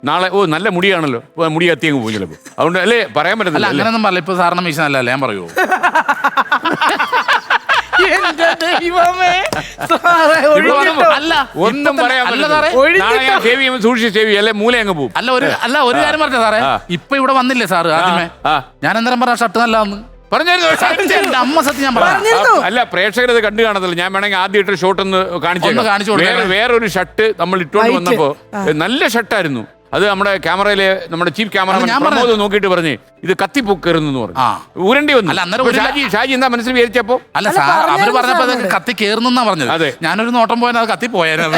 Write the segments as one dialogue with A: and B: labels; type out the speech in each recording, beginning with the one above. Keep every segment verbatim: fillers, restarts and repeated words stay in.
A: നാളെ ഓ നല്ല മുടിയാണല്ലോ മുടി കത്തി അങ്ങ് പോയി ചിലപ്പോൾ അതുകൊണ്ട് അല്ലേ പറയാൻ പറ്റത്തില്ല.
B: അങ്ങനെയൊന്നും പറയില്ല. ഇപ്പൊ സാറിന് മീശ നല്ലല്ലേ ഞാൻ പറയുമോ?
A: അല്ല ഒന്നും പറയാൻ സൂക്ഷിച്ച് സേവി അല്ലെ മൂല അങ്ങ് പോകും.
B: അല്ല ഒരു അല്ല ഒരു കാര്യം പറഞ്ഞ സാറേ, ഇപ്പൊ ഇവിടെ വന്നില്ലേ സാറ് ആദ്യമേ, ഞാൻ എന്തേരം പറഞ്ഞ ഷർട്ട് നല്ലതാന്ന് പറഞ്ഞായിരുന്നു. അമ്മ സത്യം ഞാൻ പറഞ്ഞു.
A: അല്ല പ്രേക്ഷകർ ഇത് കണ്ടു കാണത്തില്ല. ഞാൻ വേണമെങ്കിൽ ആദ്യം ഇട്ട ഷോട്ട് ഒന്ന് കാണിച്ചു
B: കാണിച്ചു
A: വേറെ വേറൊരു ഷർട്ട് നമ്മൾ ഇട്ടുകൊണ്ട് വന്നപ്പോ നല്ല ഷർട്ടായിരുന്നു. അത് നമ്മുടെ ക്യാമറയിലെ നമ്മുടെ ചീഫ് ക്യാമറമാൻ പ്രമോദ് നോക്കിയിട്ട് പറഞ്ഞു ഇത് കത്തിപ്പൊക്കരുന്നു പറഞ്ഞു. ഊരണ്ടി വന്നു. ഷാജി ഷാജി എന്താ മനസ്സിൽ വിചാരിച്ചപ്പോ?
B: അല്ല സാർ അവര് പറഞ്ഞപ്പോ കത്തി കേറുന്നാ പറഞ്ഞത്.
A: അതെ,
B: ഞാനൊരു നോട്ടം പോയാൽ അത് കത്തി പോയാലും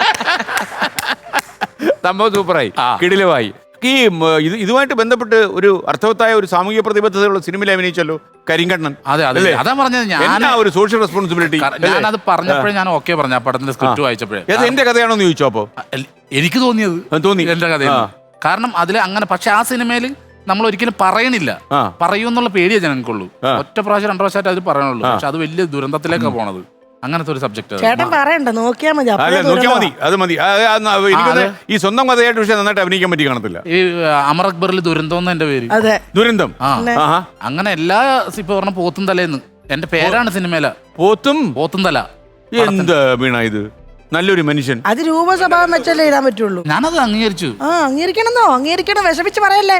A: സംഭവം സൂപ്പറായി, കിടിലമായി. ഈ ഇത് ഇതുമായിട്ട് ബന്ധപ്പെട്ട് ഒരു അർത്ഥവത്തായ ഒരു സാമൂഹിക പ്രതിബദ്ധതയുള്ള സിനിമയിൽ അഭിനയിച്ചല്ലോ കരിങ്കണ്ണൻ.
B: അതെ അതെ അതാ പറഞ്ഞത്. ഞാൻ
A: ഒരു സോഷ്യൽ റെസ്പോൺസിബിലിറ്റി
B: ഞാനത് പറഞ്ഞപ്പോഴേ ഞാൻ ഓക്കെ പറഞ്ഞു. ആ പടത്തിന്റെ സ്ക്രിപ്റ്റ് വായിച്ചപ്പോഴേ
A: അത് എന്റെ കഥയാണോന്ന് ചോദിച്ചോ? അപ്പൊ
B: എനിക്ക് തോന്നിയത്
A: തോന്നി
B: എന്റെ കഥയാണ്. കാരണം അതിൽ അങ്ങനെ, പക്ഷെ ആ സിനിമയിൽ നമ്മൾ ഒരിക്കലും പറയണില്ല. പറയൂന്നുള്ള പേടിയേ ജനങ്ങൾക്കുള്ളൂ. ഒറ്റ പ്രാവശ്യം രണ്ടു പ്രാവശ്യമായിട്ട് അത് പറയണുള്ളൂ. പക്ഷെ അത് വലിയ ദുരന്തത്തിലേക്കാണ് പോണത്. അങ്ങനത്തെ ഒരു സബ്ജക്ട്
C: ചേട്ടൻ പറയണ്ട, നോക്കിയാ മതി.
A: നോക്കിയാൽ മതി, അത് മതി. എനിക്ക് ഈ സ്വന്തം കഥയായിട്ട് പക്ഷെ നന്നായിട്ട് അഭിനയിക്കാൻ പറ്റി കാണത്തില്ല.
B: ഈ അമർ അക്ബറിൽ ദുരന്തം എന്റെ പേര്.
C: അതെ,
A: ദുരന്തം.
B: ആ അങ്ങനെ എല്ലാ ഇപ്പൊ പറഞ്ഞ പോത്തും തലേന്ന് എന്റെ പേരാണ് സിനിമയില.
A: പോത്തും
B: പോത്തും തല.
A: എന്താ വീണ ഇത്? നല്ലൊരു മനുഷ്യൻ.
C: അത് രൂപസ്വഭാവം വെച്ചല്ലേ ഇടാൻ പറ്റുള്ളൂ.
B: ഞാനത് അംഗീകരിച്ചു.
C: ആ അംഗീകരിക്കണമെന്നോ? അംഗീകരിക്കണം, വിഷമിച്ച് പറയല്ലേ.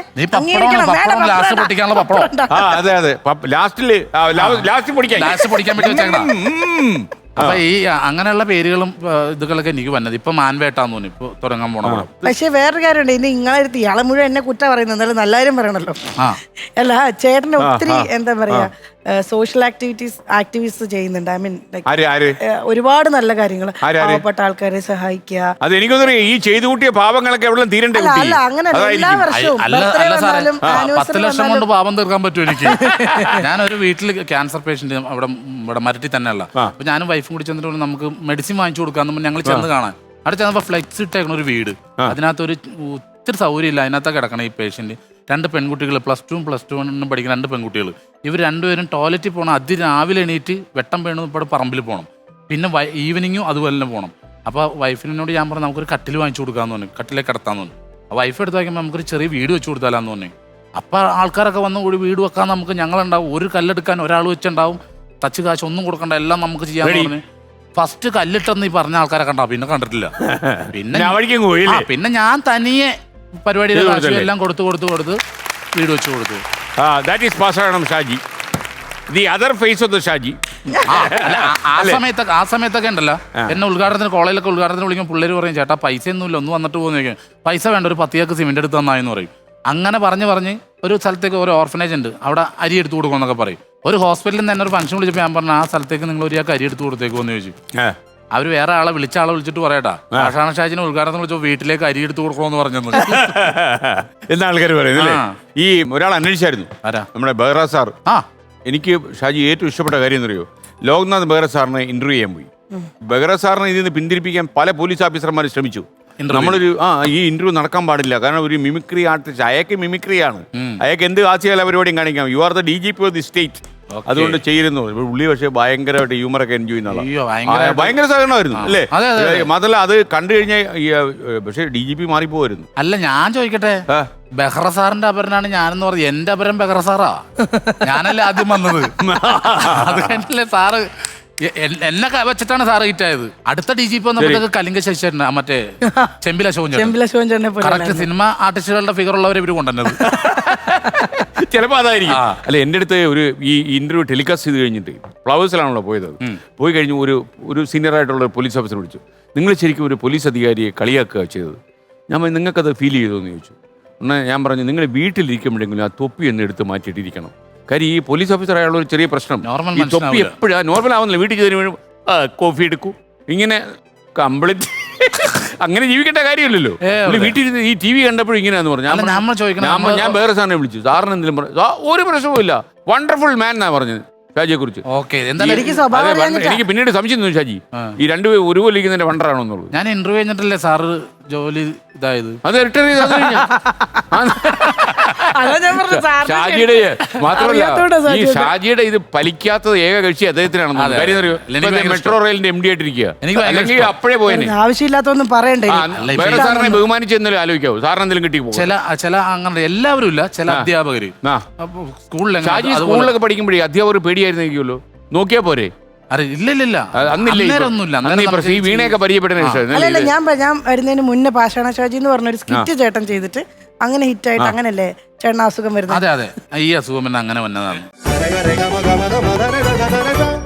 A: അതെ അതെ, ലാസ്റ്റില് ലാസ്റ്റ് പൊടിക്കാൻ
B: ലാസ്റ്റ് പൊടിക്കാൻ പറ്റി വെച്ചേക്കണം. അപ്പൊ ഈ അങ്ങനെയുള്ള പേരുകളും ഇതുകളൊക്കെ എനിക്ക് വന്നത് ഇപ്പൊ മാൻവേട്ടാന്ന് തോന്നി ഇപ്പൊ തുടങ്ങാൻ പോണ.
C: പക്ഷെ വേറൊരു കാര്യമുണ്ട്, ഇനി നിങ്ങളെടുത്ത് ഇയാളെ മുഴുവൻ എന്നെ കുറ്റ പറയുന്നത്, എന്നാലും നല്ല കാര്യം പറയണല്ലോ. അല്ല ചേട്ടന് ഒത്തിരി എന്താ പറയാ സോഷ്യൽ ആക്ടിവിറ്റീസ് ആക്ടിവിസ്റ്റ് ചെയ്യുന്നുണ്ട്. ഐ മീൻ ഒരുപാട് നല്ല കാര്യങ്ങൾ, പാവപ്പെട്ട ആൾക്കാരെ സഹായിക്കുക.
A: അത് എനിക്കൊന്നും ഈ ചെയ്തു കൂട്ടിയ പാവങ്ങളൊക്കെ എവിടെ തീരണ്ടേ?
C: അല്ല അങ്ങനെ എല്ലാ വർഷവും
B: പത്ത് ലക്ഷം കൊണ്ട് പാപം തീർക്കാൻ പറ്റും എനിക്ക്. ഞാനൊരു വീട്ടിൽ ക്യാൻസർ പേഷ്യന്റ് അവിടെ ഇവിടെ മരട്ടി തന്നെയുള്ള, അപ്പൊ ഞാനും വൈഫും കൂടി ചെന്നിട്ട് നമുക്ക് മെഡിസിൻ വാങ്ങിച്ചു കൊടുക്കാന്ന് ഞങ്ങൾ ചെന്ന് കാണാൻ. അവിടെ ചെന്നപ്പോ ഫ്ലെക്സ് ഇട്ടേക്കണ ഒരു വീട്, അതിനകത്ത് ഒരു ഒത്തിരി സൗകര്യം ഇല്ല. അതിനകത്തൊക്കെ കിടക്കണം ഈ പേഷ്യന്റ്. രണ്ട് പെൺകുട്ടികൾ, പ്ലസ് ടു പ്ലസ് ടു പഠിക്കുന്ന രണ്ട് പെൺകുട്ടികൾ. ഇവർ രണ്ടുപേരും ടോയ്ലറ്റിൽ പോകണം. അതിരാവിലെ എണീറ്റ് വെട്ടം വീണ് ഇപ്പോൾ പറമ്പിൽ പോകണം. പിന്നെ ഈവനിങ്ങും അതുപോലെ തന്നെ പോകണം. അപ്പോൾ വൈഫിനോട് ഞാൻ പറഞ്ഞു നമുക്കൊരു കട്ടിൽ വാങ്ങിച്ചു കൊടുക്കാമെന്ന് പറഞ്ഞു, കട്ടിലേക്ക് കിടത്താന്ന് പറഞ്ഞു. ആ വൈഫ് എടുത്ത് വയ്ക്കുമ്പോൾ നമുക്കൊരു ചെറിയ വീട് വെച്ച് കൊടുത്താലാന്ന് പറഞ്ഞു. അപ്പോൾ ആൾക്കാരൊക്കെ വന്ന് കൂടി വീട് വെക്കാൻ നമുക്ക് ഞങ്ങളുണ്ടാവും. ഒരു കല്ലെടുക്കാൻ ഒരാൾ വെച്ചുണ്ടാവും. ടച്ച് കാശ് ഒന്നും കൊടുക്കണ്ട, എല്ലാം നമുക്ക് ചെയ്യാമെന്ന് പറഞ്ഞു. ഫസ്റ്റ് കല്ലിട്ടെന്ന് ഈ പറഞ്ഞ ആൾക്കാരെ കണ്ടാ പിന്നെ കണ്ടിട്ടില്ല. പിന്നെ പിന്നെ ഞാൻ തനിയെ പരിപാടിയുടെ എല്ലാം കൊടുത്തു കൊടുത്തു കൊടുത്ത് വീട് വെച്ച് കൊടുത്തു.
A: Shaji the other face of the Shaji.
B: ആ സമയത്തൊക്കെ ആ സമയത്തൊക്കെ ഉണ്ടല്ലോ, എന്നെ ഉദ്ഘാടനത്തിന് കോളേജിലൊക്കെ ഉദ്ഘാടനത്തിന് വിളിക്കുമ്പോൾ പിള്ളേർ പറയും ചേട്ടാ പൈസ ഒന്നുമില്ല, ഒന്ന് വന്നിട്ട് പോകുന്ന. പൈസ വേണ്ട, ഒരു പത്തിയേക്ക് സിമെന്റ് എടുത്ത് തന്നായെന്ന് പറയും. അങ്ങനെ പറഞ്ഞ് പറഞ്ഞ് ഒരു സ്ഥലത്തേക്ക് ഒരു ഓർഫനേജ് ഉണ്ട്, അവിടെ അരി എടുത്തു കൊടുക്കുമെന്നൊക്കെ പറയും. ഒരു ഹോസ്പിറ്റലിൽ നിന്ന് തന്നെ ഒരു ഫംഗ്ഷൻ വിളിച്ചപ്പോൾ ഞാൻ പറഞ്ഞു ആ സ്ഥലത്തേക്ക് നിങ്ങൾ ഒരു അരി എടുത്തു കൊടുത്തേക്കോ എന്ന് ചോദിച്ചു. അവർ വേറെ ആളെ വിളിച്ച ആളെ വിളിച്ചിട്ട് പറയട്ടാ ആഷാന ഷാജിനെ ഉദ്ഘാടനം വിളിച്ചോ വീട്ടിലേക്ക് അരി എടുത്ത് കൊടുക്കണമെന്ന് പറഞ്ഞത്
A: എന്താ ആൾക്കാർ പറയുന്നത്. ഈ ഒരാൾ അന്വേഷിച്ചായിരുന്നു, നമ്മുടെ ബെഹ്റ സാർ. ആ എനിക്ക് ഷാജി ഏറ്റവും ഇഷ്ടപ്പെട്ട കാര്യം എന്നറിയോ, ലോക്നാഥ് ബെഹ്റ സാറിനെ ഇന്റർവ്യൂ ചെയ്യാൻ പോയി. ബെഹ്റ സാറിനെ ഇതിൽ നിന്ന് പിന്തിരിപ്പിക്കാൻ പല പോലീസ് ഓഫീസർമാർ ശ്രമിച്ചു. നമ്മളൊരു ആ ഈ ഇന്റർവ്യൂ നടക്കാൻ പാടില്ല, കാരണം ഒരു മിമിക്രി ആർട്ടിസ്റ്റ്, അയാൾക്ക് മിമിക്രിയാണ്, അയാൾക്ക് എന്ത് ഹാസ്യകല പരിപാടിയും കാണിക്കാം. You are the D G P of the state, അതുകൊണ്ട് ചെയ്യുന്നു. ഉള്ളി പക്ഷേ ഭയങ്കരമായിട്ട് ഹ്യൂമറൊക്കെ എൻജോയ് ചെയ്യുന്ന ഭയങ്കര സഹകരണമായിരുന്നു അല്ലേ? മാത്രമല്ല അത് കണ്ടു കഴിഞ്ഞാൽ പക്ഷേ ഡി ജി പി മാറിപ്പോയിരുന്നു.
B: അല്ല ഞാൻ ചോദിക്കട്ടെ, ബെഹ്റ സാറിന്റെ അപരനാണ് ഞാനെന്ന് പറഞ്ഞു. എന്റെ അപരം ബെഹ്റ സാറാ, ഞാനല്ലേ ആദ്യം വന്നത്. അത് കഴിഞ്ഞല്ലേ സാറ് എന്നെ വെച്ചിട്ടാണ് സാറ് ഹിറ്റായത്. അടുത്ത ഡി ജി പി വന്നപ്പോഴത്തേക്ക് കലിംഗ ശശിധരൻ, മറ്റേ ചെമ്പില ശോഭൻ, കറക്റ്റ് സിനിമ ആർട്ടിസ്റ്റുകളുടെ ഫിഗർ ഉള്ളവരെ ഇവര് കൊണ്ടുവന്നത്.
A: ചിലപ്പോൾ അതായിരിക്കും. അല്ല എൻ്റെ അടുത്ത് ഒരു ഈ ഇന്റർവ്യൂ ടെലികാസ്റ്റ് ചെയ്ത് കഴിഞ്ഞിട്ട് ഫ്ലവേഴ്സിലാണല്ലോ പോയത്. പോയി കഴിഞ്ഞ് ഒരു ഒരു സീനിയർ ആയിട്ടുള്ള ഒരു പോലീസ് ഓഫീസർ വിളിച്ചു. നിങ്ങൾ ശരിക്കും ഒരു പോലീസ് അധികാരിയെ കളിയാക്കുക ചെയ്തത്. ഞാൻ നിങ്ങൾക്കത് ഫീൽ ചെയ്തോ എന്ന് ചോദിച്ചു. എന്നാൽ ഞാൻ പറഞ്ഞു നിങ്ങൾ വീട്ടിലിരിക്കുമ്പോഴെങ്കിലും ആ തൊപ്പി ഒന്ന് എടുത്ത് മാറ്റിയിട്ടിരിക്കണം. കാര്യം ഈ പോലീസ് ഓഫീസർ ആയുള്ള ഒരു ചെറിയ പ്രശ്നം, ഈ തൊപ്പി എപ്പോഴാണ് നോർമൽ ആവുന്നില്ല. വീട്ടിൽ ചെറിയ കോഫി എടുക്കൂ, ഇങ്ങനെ കംപ്ലീറ്റ് അങ്ങനെ ജീവിക്കേണ്ട കാര്യമില്ലല്ലോ. വീട്ടിൽ ഈ ടി വി കണ്ടപ്പോഴും ഇങ്ങനെയാന്ന് പറഞ്ഞു. ഞാൻ വേറെ സാറിനെ വിളിച്ചു, സാറിന് എന്തെങ്കിലും പറഞ്ഞു. ഒരു പ്രശ്നവും ഇല്ല, വണ്ടർഫുൾ മാൻ എന്നാ പറഞ്ഞത് ഷാജിയെ കുറിച്ച്. എനിക്ക് പിന്നീട് സംശയം തോന്നി ഷാജി ഈ രണ്ടുപേരും ഒരുപോലെ ഇരിക്കുന്നതിന്റെ വണ്ടറാണോ എന്നുള്ളത്.
B: ഞാൻ ഇന്റർവ്യൂ കഴിഞ്ഞിട്ടല്ലേ സാറ് ജോലി ഇതായത്,
A: അത് റിട്ടയർ ചെയ്ത്
C: അതാ ഞാൻ പറഞ്ഞത്, സാറിന്
A: ഷാജിയുടെ മാത്രമല്ല
C: അറിയാത്തോണ്ടാ
A: ഈ
C: ഷാജി ചോദിച്ചത്.
A: ഷാജിയുടെ ഇത് ഫലിക്കാത്തത് ഏക കക്ഷി അദ്ദേഹത്തിനാണെന്ന്
B: അതെ.
A: കാര്യം അറിയോ
B: എനിക്ക് ഭയങ്കര
A: മെട്രോ റെയിലിന്റെ എം ഡി ആയിട്ടിരിക്കുക
B: എനിക്ക് ഭയങ്കര
A: അല്ലെങ്കിൽ അപ്പോഴേ പോയനെ
C: ആവശ്യമില്ലാത്തൊന്നും പറയണ്ടേ
A: ആ,
B: അല്ല, ഇപ്പൊ
A: വേറെ സാറിനെ ബഹുമാനിച്ച് എന്നാലും ആലോചിക്കാവൂ സാറിന് എന്തെങ്കിലും കിട്ടി പോകും
B: ചില ചില അങ്ങനെ എല്ലാവരും ഇല്ല, ചില അധ്യാപകര്
A: ആ
B: അപ്പൊ സ്കൂളിൽ
A: ഷാജി സ്കൂളിലൊക്കെ പഠിക്കുമ്പോഴേ അധ്യാപകർ പേടിയായിരുന്നിരിക്കുമല്ലോ നോക്കിയാ പോരെ
B: അറി ഇല്ല ഇല്ല ഇല്ല
A: അത് അന്നില്ലേ ഇപ്പൊ?
B: അന്നേരം ഒന്നുമില്ല.
A: അന്ന് ഈ
B: അന്നേരം
A: പ്രശ്നം ഈ
B: നമുക്ക്
A: വീണയൊക്കെ പരിചയപ്പെട്ടതിന് ശേഷം
C: അല്ലല്ല
A: അല്ലേ ഇത്?
C: ഞാൻ പ- ഞാൻ വരുന്നതിന് മുന്നേ പാഷാണ ഷാജി എന്ന് പറഞ്ഞൊരു സ്കിറ്റ് ചേട്ടൻ ചെയ്തിട്ട് അങ്ങനെ ഹിറ്റായിട്ട് അങ്ങനല്ലേ ചേട്ടൻ അസുഖം വരുന്നത്.
B: അതെ അതെ ഈ അസുഖം പിന്നെ അങ്ങനെ വന്നതാണ്.
D: Rega, rega, maga, maga, maga, rega, rega, rega.